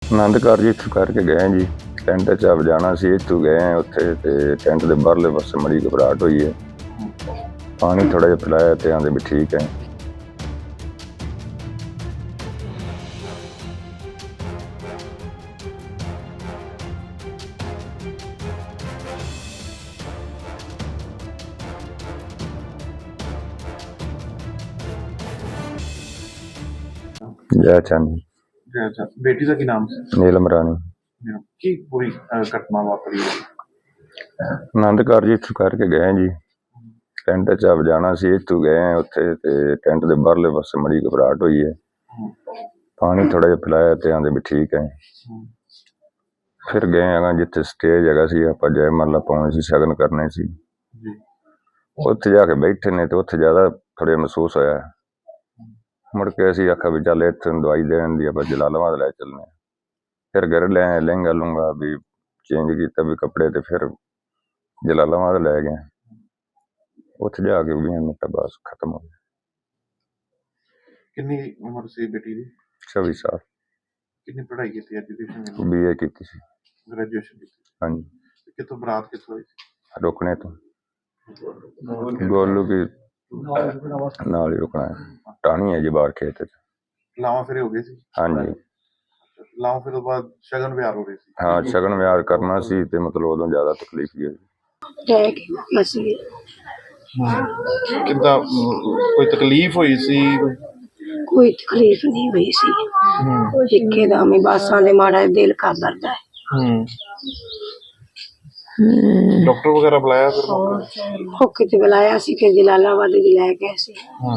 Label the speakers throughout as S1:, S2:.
S1: ਆਨੰਦ ਕਾਰਜ ਇੱਥੋਂ ਕਰਕੇ ਗਏ ਜੀ। ਟੈਂਟ 'ਚ ਆਪ ਜਾਣਾ ਸੀ, ਇੱਥੋਂ ਗਏ ਉੱਥੇ ਤੇ ਟੈਂਟ ਦੇ ਬਾਹਰਲੇ ਪਾਸੇ ਬੜੀ ਘਬਰਾਹਟ ਹੋਈ ਹੈ। ਪਾਣੀ ਥੋੜ੍ਹਾ ਜਿਹਾ ਪਿਲਾਇਆ ਤੇ ਆਂਦੇ ਵੀ ਠੀਕ ਹੈ। ਜੈ ਚੰਦ
S2: ਅੱਛਾ, बेटी का की नाम से
S1: ਨੀਲਮ ਰਾਣੀ।
S2: की पूरी घटना वापरी है?
S1: ਆਨੰਦ ਕਾਰਜ ਇੱਥੋਂ ਕਰਕੇ ਗਏ ਜੀ। ਟੈਂਟ 'ਚ ਆਪ ਜਾਣਾ ਸੀ, ਇੱਥੋਂ ਗਏ ਉੱਥੇ ਤੇ ਟੈਂਟ ਦੇ ਬਾਹਰਲੇ ਪਾਸੇ ਬੜੀ ਘਬਰਾਹਟ ਹੋਈ ਹੈ। ਪਾਣੀ ਥੋੜ੍ਹਾ ਜਿਹਾ ਪਿਲਾਇਆ ਤੇ ਆਂਦੇ ਵੀ ਠੀਕ ਹੈ। ਫਿਰ ਗਏ ਹੈਗਾ ਜਿੱਥੇ ਸਟੇਜ ਹੈਗਾ ਸੀ, ਆਪਾਂ ਜੈ ਮਾਲਾ ਪਾਉਣੀ ਸੀ, ਸ਼ਗਨ ਕਰਨੇ ਸੀ। ਉੱਥੇ ਜਾ ਕੇ ਬੈਠੇ ਨੇ ਤੇ ਉੱਥੇ ਜ਼ਿਆਦਾ ਥੋੜ੍ਹਾ ਮਹਿਸੂਸ ਹੋਇਆ। ਮੁੜ ਕੇ ਅਸੀਂ ਆਖਿਆ ਵੀ ਚੱਲ ਇੱਥੇ ਦਵਾਈ ਦੇਣ ਦੀ ਆਪਾਂ ਜਲਾਲਾਬਾਦ ਲੈ ਚੱਲਦੇ। ਫਿਰ ਘਰ ਲੈ ਲਹਿੰਗਾ ਲੂੰਗਾ ਵੀ ਚੇਂਜ ਕੀਤਾ ਵੀ ਕੱਪੜੇ ਤੇ ਫਿਰ ਜਲਾਲਾਬਾਦ ਲੈ ਗਏ। ਉੱਥੇ ਜਾ ਕੇ 20 ਮਿੰਟ ਬਸ ਖਤਮ ਹੋ ਗਿਆ।
S2: कितनी उम्र से बेटी दी?
S1: 26 साल।
S2: कितनी पढ़ाई की थी? एजुकेशन
S1: BA की थी।
S2: ग्रेजुएशन की थी?
S1: हाँ जी।
S2: कितों बरात कितों हुई थी?
S1: रुकने तो गोलू की नाल ही रुकना है। टाणी है जी बाहर खेत।
S2: लावा फिर हो गई थी?
S1: हाँ जी।
S2: लावा फिर बाद शगन ब्याह हो रही थी?
S1: हाँ शगन ब्याह करना सी ते मतलब उदों ज्यादा तकलीफ ही
S2: किदा कोई तकलीफ हुई सी?
S3: कोई तकलीफ नहीं हुई सी। एकदम ही बासां दे माड़ा दिल कर दर्दा है।
S2: डॉक्टर वगैरह बुलाया फिर?
S3: होके ते बुलाया सी, फिर जलालाबाद ले गए सी।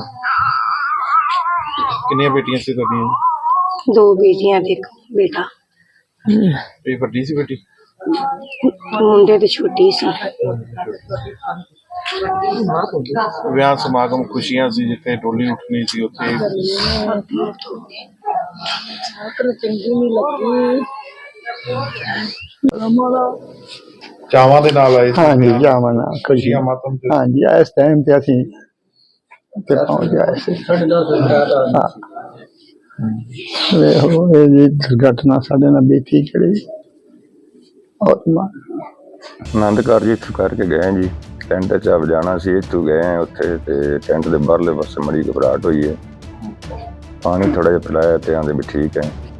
S2: कितनी बेटियां सी तुहाडियां?
S3: 2 बेटियां ते एक बेटा।
S2: ये बड़ी सी बेटी?
S3: मुंडे ते छोटी सी।
S2: ਵਿਆਹ ਸਮਾਗਮ ਖੁਸ਼ੀਆਂ ਸੀ ਜਿੱਥੇ ਡੋਲੀ ਉੱਠਣੀ ਸੀ ਉੱਥੇ
S3: चंगी नहीं लगी।
S2: ਚਾਵਾਂ ਦੇ ਨਾਲ ਆਏ ਸੀ?
S4: हाँ जी जावा ना
S2: ਖੁਸ਼ੀਆਂ ਮਾਤਮ ਤੇ?
S4: हाँ जी इस टाइम पे असी पहुंच गए थे। हाँ ਵੇਖੋ ਇਹ ਜੀ ਦੁਰਘਟਨਾ ਸਾਡੇ ਨਾਲ ਬੀਤੀ ਜਿਹੜੀ
S1: ਆਨੰਦ ਕਾਰਜ ਇੱਥੋਂ ਕਰਕੇ ਗਏ ਜੀ। ਟੈਂਟ 'ਚ ਆਪ ਜਾਣਾ ਸੀ, ਇੱਥੋਂ ਗਏ ਉੱਥੇ ਤੇ ਟੈਂਟ ਦੇ ਬਾਹਰਲੇ ਪਾਸੇ ਬੜੀ ਘਬਰਾਹਟ ਹੋਈ ਹੈ। ਪਾਣੀ ਥੋੜ੍ਹਾ ਜਿਹਾ ਪਿਲਾਇਆ ਤੇ ਆਂਦੇ ਵੀ ਠੀਕ ਹੈ।